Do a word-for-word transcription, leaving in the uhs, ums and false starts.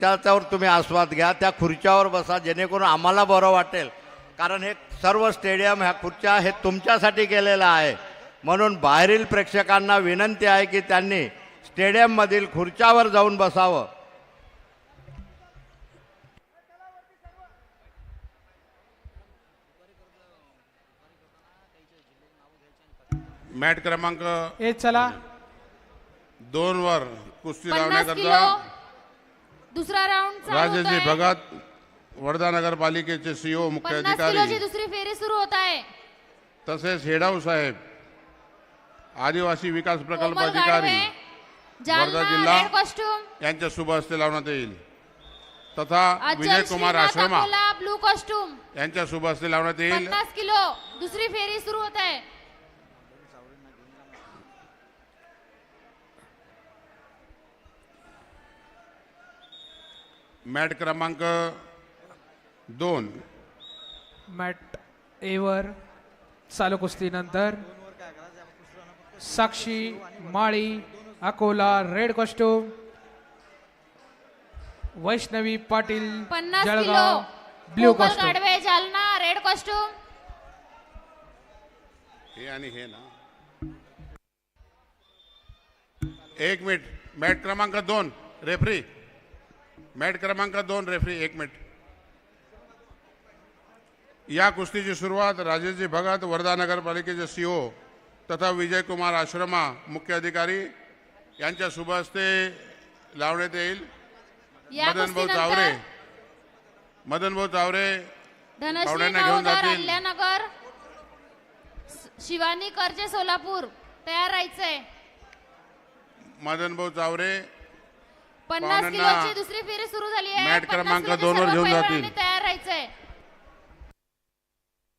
त्याच्यावर तुम्ही आस्वाद घ्या, त्या खुर्च्यावर बसा, जेणेकरून आम्हाला बरं वाटेल. कारण हे सर्व स्टेडियम ह्या खुर्च्या हे तुमच्यासाठी केलेलं आहे. म्हणून बाहेरील प्रेक्षकांना विनंती आहे की त्यांनी स्टेडियममधील खुर्च्यावर जाऊन बसावं. मॅट क्रमांक ए चला दोन वर कुस्ती पन्नास लावण्याकरता किलो दुसरा राऊंड राजेशजी भगत वर्धा नगरपालिकेचे सीओ मुख्य पन्नास अधिकारी किलोची दुसरी फेरी सुरू होत आहे. तसेच हेडाऊ साहेब आदिवासी विकास प्रकल्प कोमल अधिकारी गाढवे, वर्धा जालना, जिल्हा रेड कॉस्ट्यूम यांच्या शुभ हस्ते लावण्यात येईल. तथा अचल विजय कुमार श्रीनाथ आश्रमा अकोला, ब्लू कॉस्ट्यूम यांच्या शुभ हस्ते लावण्यात येईल. पन्नास किलो दुसरी फेरी सुरू होत आहे. मॅट क्रमांक दोन मॅट एवर चालू कुस्तीनंतर साक्षी माळी अकोला रेड कॉस्ट्यूम, वैष्णवी पाटील पन्नास Jalgaon kilo blue Komal costume. Gadhave, Jalna, red costume हे आणि हे ना एक मिनिट. मॅट क्रमांक दोन रेफरी मॅट क्रमांक दोन रेफरी एक मिनिट. या कुस्तीची सुरुवात राजेशजी भगत वर्धा नगरपालिकेचे सीओ तथा विजय कुमार आश्रमा मुख्य अधिकारी यांच्या शुभ हस्ते लावण्यात येईल. या मदन भाऊ चावरे कुस्तीनंतर मदन भाऊ चावरे धनश्री पाहुण्यांना घेऊन नवोदर, जातील. अहिल्यानगर, शिवानी करजे, सोलापूर तयार राहायचंय. मदन भाऊ चावरे पन्नास पाहुण्यांना किलोची दुसरी फेरी सुरू झाली आहे. मॅट पन्नास क्रमांक किलोचे दोन वर सर्व घेऊन पैलवानांनी जातील. तयार